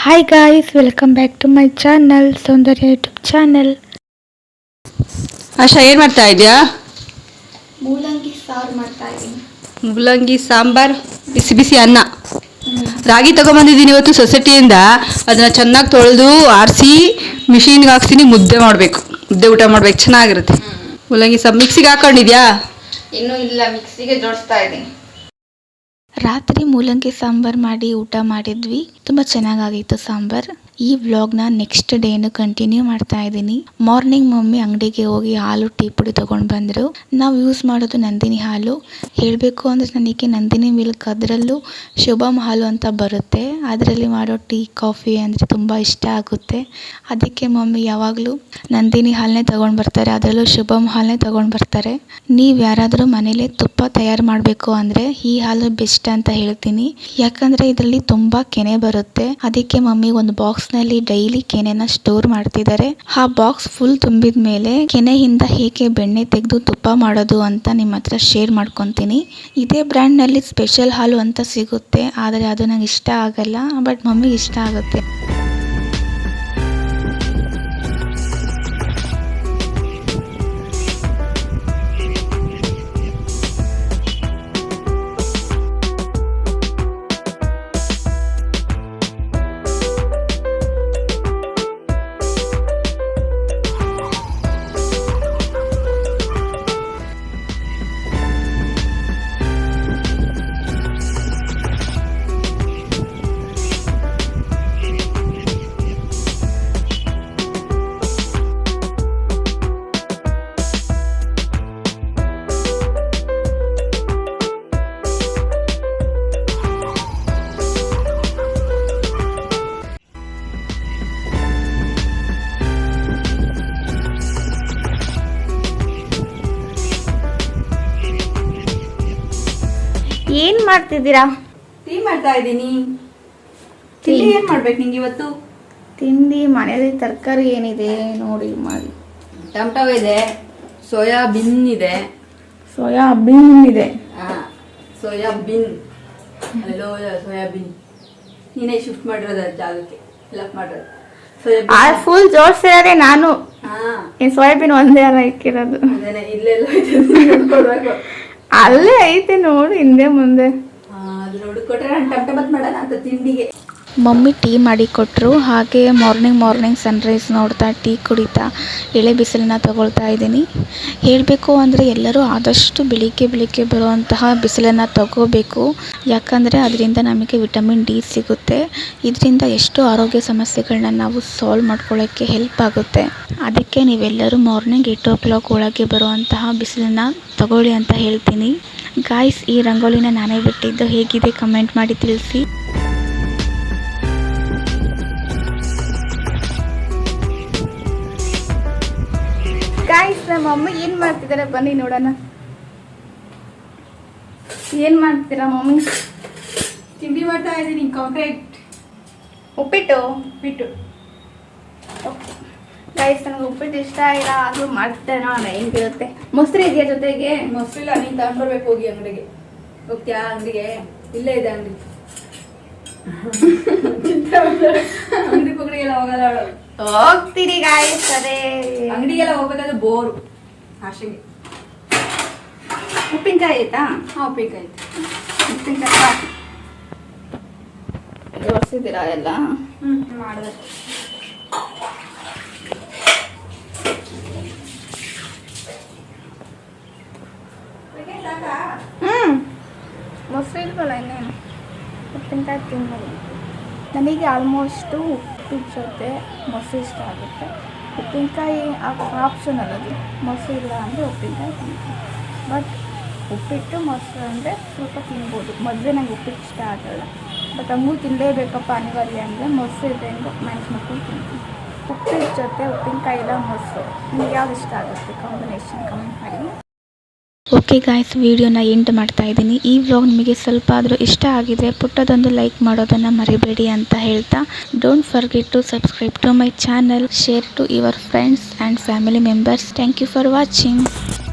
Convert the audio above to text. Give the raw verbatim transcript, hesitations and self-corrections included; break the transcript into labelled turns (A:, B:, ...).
A: Hi guys, welcome back to my channel, Soundarya YouTube channel.
B: Asha ಏನು ಮಾಡ್ತಾ ಇದೆಯಾ?
A: ಮೂಲಂಗಿ ಸಾರು ಮಾಡ್ತಾ ಇದ್ದೀನಿ.
B: ಮೂಲಂಗಿ ಸಾಂಬಾರ್, ಬಿಸಿ ಬಿಸಿ ಅನ್ನ. ರಾಗಿ ತಗೊಂಬಂದಿದ್ದೀನಿ ಇವತ್ತು ಸೊಸೈಟಿಯಿಂದ. ಅದನ್ನ ಚೆನ್ನಾಗಿ ತೊಳೆದು ಆರಿಸಿ ಮಿಷಿನ್ಗೆ ಹಾಕ್ತೀನಿ. ಮುದ್ದೆ ಮಾಡಬೇಕು, ಮುದ್ದೆ ಊಟ ಮಾಡ್ಬೇಕು, ಚೆನ್ನಾಗಿರುತ್ತೆ. ಮೂಲಂಗಿ ಸಾಂಬಾರ್ ಮಿಕ್ಸಿಗೆ ಹಾಕೊಂಡಿದ್ಯಾ?
A: ಇನ್ನೂ ಇಲ್ಲ, ಮಿಕ್ಸಿಗೆ ಜೋಡಿಸ್ತಾ ಇದ್ದೀನಿ. ರಾತ್ರಿ ಮೂಲಂಗಿ ಸಾಂಬಾರ್ ಮಾಡಿ ಊಟ ಮಾಡಿದ್ವಿ. ತುಂಬ ಚೆನ್ನಾಗಾಗಿತ್ತು ಸಾಂಬಾರ್. ಈ ವ್ಲಾಗ್ನ ನೆಕ್ಸ್ಟ್ ಡೇನು ಕಂಟಿನ್ಯೂ ಮಾಡ್ತಾ ಇದ್ದೀನಿ. ಮಾರ್ನಿಂಗ್ ಮಮ್ಮಿ ಅಂಗಡಿಗೆ ಹೋಗಿ ಹಾಲು ಟೀ ಪುಡಿ ತೊಗೊಂಡು ಬಂದರು. ನಾವು ಯೂಸ್ ಮಾಡೋದು ನಂದಿನಿ ಹಾಲು. ಹೇಳಬೇಕು ಅಂದರೆ ನನಗೆ ನಂದಿನಿ ಮಿಲ್ಕ್ ಅದರಲ್ಲೂ ಶುಭಂ ಹಾಲು ಅಂತ ಬರುತ್ತೆ, ಅದರಲ್ಲಿ ಮಾಡೋ ಟೀ ಕಾಫಿ ಅಂದರೆ ತುಂಬ ಇಷ್ಟ ಆಗುತ್ತೆ. ಅದಕ್ಕೆ ಮಮ್ಮಿ ಯಾವಾಗಲೂ ನಂದಿನಿ ಹಾಲನ್ನೇ ತೊಗೊಂಡು ಬರ್ತಾರೆ, ಅದರಲ್ಲೂ ಶುಭಂ ಹಾಲನ್ನೇ ತೊಗೊಂಡು ಬರ್ತಾರೆ. ನೀವು ಯಾರಾದರೂ ಮನೇಲಿ ತುಪ್ಪ ತಯಾರು ಮಾಡಬೇಕು ಅಂದರೆ ಈ ಹಾಲು ಬೆಸ್ಟ್ ಅಂತ ಹೇಳ್ತೀನಿ. ಯಾಕಂದರೆ ಇದರಲ್ಲಿ ತುಂಬ ಕೆನೆ ಬರುತ್ತೆ. ಅದಕ್ಕೆ ಮಮ್ಮಿ ಒಂದು ಬಾಕ್ಸ್ ನಲ್ಲಿ ಡೈಲಿ ಕೆನೆನ ಸ್ಟೋರ್ ಮಾಡ್ತಿದ್ದಾರೆ. ಆ ಬಾಕ್ಸ್ ಫುಲ್ ತುಂಬಿದ ಮೇಲೆ ಕೆನೆಯಿಂದ ಹೇಗೆ ಬೆಣ್ಣೆ ತೆಗೆದು ತುಪ್ಪ ಮಾಡೋದು ಅಂತ ನಿಮ್ಮ ಹತ್ರ ಶೇರ್ ಮಾಡ್ಕೊತೀನಿ. ಇದೇ ಬ್ರ್ಯಾಂಡ್ ನಲ್ಲಿ ಸ್ಪೆಷಲ್ ಹಾಲು ಅಂತ ಸಿಗುತ್ತೆ, ಆದರೆ ಅದು ನಂಗೆ ಇಷ್ಟ ಆಗಲ್ಲ, ಬಟ್ ಮಮ್ಮಿಗೆ ಇಷ್ಟ ಆಗುತ್ತೆ. ಏನ್ ಮಾಡ್ತಿದ್ದೀರಾ?
B: ಟೀ ಮಾಡ್ತಾ ಇದ್ದೀನಿ. ತಿಂಡಿ ಏನ್ ಮಾಡ್ಬೇಕು ನಿಂಗೆ ಇವತ್ತು?
A: ತಿಂಡಿ ಮನೆಯಲ್ಲಿ ತರಕಾರಿ ಏನಿದೆ ನೋಡಿ ಮಾಡಿ.
B: ಟೊಮೆಟೊ ಇದೆ, ಸೋಯಾಬೀನ್ ಇದೆ.
A: ಸೋಯಾಬೀನ್ ಇದೆ.
B: ಸೋಯಾಬೀನ್ ಅಲ್ಲೋ ಸೋಯಾಬೀನ್ ನೀನೇ ಶಿಫ್ಟ್ ಮಾಡಿರೋದ ಜಾಗಕ್ಕೆ, ಫಿಲಪ್ ಮಾಡಿರೋದು.
A: ಸೋಯಾಬೀನ್ ಫುಲ್ ಜೋಡಿಸಿರೋದೇ ನಾನು. ಏನ್ ಸೋಯಾಬೀನ್ ಒಂದೇ ಅಲ್ಲ ಇಕ್ಕಿರೋದು?
B: ಇಲ್ಲೆಲ್ಲ ನೋಡ್ಕೊಡ್ಬೇಕು.
A: ಅಲ್ಲೇ ಐತೆ ನೋಡಿ, ಹಿಂದೆ ಮುಂದೆ.
B: ಅದು ನೋಡಿಕೊಟ್ರೆ ನಾನು ಟಮಟ ಬಾತ್ ಮಾಡೋಣ ಅಂತ ತಿಂಡಿಗೆ.
A: ಮಮ್ಮಿ ಟೀ ಮಾಡಿ ಕೊಟ್ಟರು. ಹಾಗೆ ಮಾರ್ನಿಂಗ್ ಮಾರ್ನಿಂಗ್ ಸನ್ರೈಸ್ ನೋಡ್ತಾ ಟೀ ಕುಡಿತಾ ಎಳೆ ಬಿಸಿಲನ್ನ ತಗೊಳ್ತಾ ಇದ್ದೀನಿ. ಹೇಳಬೇಕು ಅಂದರೆ ಎಲ್ಲರೂ ಆದಷ್ಟು ಬೆಳಿಗ್ಗೆ ಬೆಳಿಗ್ಗೆ ಬರುವಂತಹ ಬಿಸಿಲನ್ನು ತಗೋಬೇಕು. ಯಾಕಂದರೆ ಅದರಿಂದ ನಮಗೆ ವಿಟಮಿನ್ ಡಿ ಸಿಗುತ್ತೆ. ಇದರಿಂದ ಎಷ್ಟೋ ಆರೋಗ್ಯ ಸಮಸ್ಯೆಗಳನ್ನ ನಾವು ಸಾಲ್ವ್ ಮಾಡ್ಕೊಳ್ಳೋಕ್ಕೆ ಹೆಲ್ಪ್ ಆಗುತ್ತೆ. ಅದಕ್ಕೆ ನೀವೆಲ್ಲರೂ ಮಾರ್ನಿಂಗ್ ಏಟ್ ಓ ಕ್ಲಾಕ್ ಒಳಗೆ ಬರುವಂತಹ ಬಿಸಿಲನ್ನು ತಗೊಳ್ಳಿ ಅಂತ ಹೇಳ್ತೀನಿ. ಗಾಯ್ಸ್, ಈ ರಂಗೋಲಿನ ನಾನೇ ಬಿಟ್ಟಿದ್ದು, ಹೇಗಿದೆ ಕಮೆಂಟ್ ಮಾಡಿ ತಿಳಿಸಿ. ಗಾಯ್ಸ್, ನಮ್ಮ ಅಮ್ಮ ಏನ್ ಮಾಡ್ತಿದ್ದಾರೆ ಬನ್ನಿ ನೋಡೋಣ. ಏನ್ ಮಾಡ್ತೀರಾ ಮಮ್ಮಿ?
B: ತಿಂಡಿ ಮಾಡ್ತಾ ಇದ್ದೀನಿ. ಕಾಂಕ್ರೀಟ್
A: ಉಪ್ಪಿಟ್ಟು.
B: ಉಪ್ಪಿಟ್ಟು
A: ಗೈಸ್, ನನಗೆ ಉಪ್ಪಿಟ್ಟು ಇಷ್ಟ ಇಲ್ಲ, ಆದ್ರೂ ಮಾಡ್ತೇನೆ ನೋಡೋಣ ಹೆಂಗಿರುತ್ತೆ. ಮೊಸರು ಇದೆಯಾ ಜೊತೆಗೆ?
B: ಮೊಸರು ಇಲ್ಲ, ನೀನು ತಗೊಂಡ್ಬರ್ಬೇಕು. ಹೋಗಿ ಅಂಗಡಿಗೆ ಹೋಗ್ತೀಯಾ? ಅಂಗಡಿಗೆ ಇಲ್ಲೇ ಇದೆ ಅಂಗಡಿ. ಅಂಗಡಿ ಪಗಡಿಗೆಲ್ಲ ಹೋಗಲ್ಲ ಅವಳು.
A: ಹೋಗ್ತೀರಿ ಗಾಯ್ಸ್, ಅದೇ
B: ಅಂಗಡಿಗೆಲ್ಲ ಹೋಗ್ಬೇಕಾದ್ರೆ ಬೋರು. ಆಶೆಗೆ
A: ಉಪ್ಪಿನಕಾಯಿ ಆಯ್ತಾ?
B: ಹಾಂ, ಉಪ್ಪಿನಕಾಯಿ ಆಯ್ತು.
A: ಉಪ್ಪಿನಕಾಯಿ ಜೋಡಿಸಿದ್ದೀರಾ ಎಲ್ಲ?
B: ಹ್ಞೂ ಮಾಡಿದೆ.
A: ಹ್ಞೂ ಮೊಸರು ಇಲ್ವಲ್ಲ ಇನ್ನೇನು. ಉಪ್ಪಿನಕಾಯಿ ತಿನ್ಬೋದು. ನನಗೆ ಆಲ್ಮೋಸ್ಟು ಉಪ್ಪಿಟ್ಟು ಜೊತೆ ಮೊಸರು ಇಷ್ಟ ಆಗುತ್ತೆ. ಉಪ್ಪಿನಕಾಯಿ ಆಪ್ಷನಲ್, ಅದು ಮೊಸರು ಇಲ್ಲ ಅಂದರೆ ಉಪ್ಪಿನಕಾಯಿ ತಿಂತೀನಿ. ಬಟ್ ಉಪ್ಪಿಟ್ಟು ಮೊಸರು ಅಂದರೆ ಸ್ವಲ್ಪ ತಿನ್ಬೋದು. ಮೊದಲೇ ನಂಗೆ ಉಪ್ಪಿಟ್ಟು ಇಷ್ಟ ಆಗಲ್ಲ, ಬಟ್ ಹಂಗೂ ತಿನ್ನಲೇಬೇಕಪ್ಪ ಅನಿವಾರ್ಯ ಅಂದರೆ ಮೊಸರು ಇದೆ ಎಂದು ಮ್ಯಾನೇಜ್ ಮಾಡ್ಕೊಂಡು ತಿಂತೀನಿ. ಉಪ್ಪಿಟ್ಟು ಜೊತೆ ಉಪ್ಪಿನಕಾಯಿ ಇಲ್ಲ ಮೊಸರು, ನಿಮ್ಗೆ ಯಾವ್ದು ಇಷ್ಟ ಆಗುತ್ತೆ ಕಾಂಬಿನೇಷನ್ ಕಮೆಂಟ್ ಮಾಡಿ. ಓಕೆ ಗಾಯ್ಸ್, ವಿಡಿಯೋನ ಎಂಡ್ ಮಾಡ್ತಾ ಇದ್ದೀನಿ. ಈ ವ್ಲಾಗ್ ನಿಮಗೆ ಸ್ವಲ್ಪ ಆದರೂ ಇಷ್ಟ ಆಗಿದ್ರೆ ಪುಟ್ಟದೊಂದು ಲೈಕ್ ಮಾಡೋದನ್ನು ಮರಿಬೇಡಿ ಅಂತ ಹೇಳ್ತಾ, don't forget to subscribe to my channel, share to your friends and family members. Thank you for watching.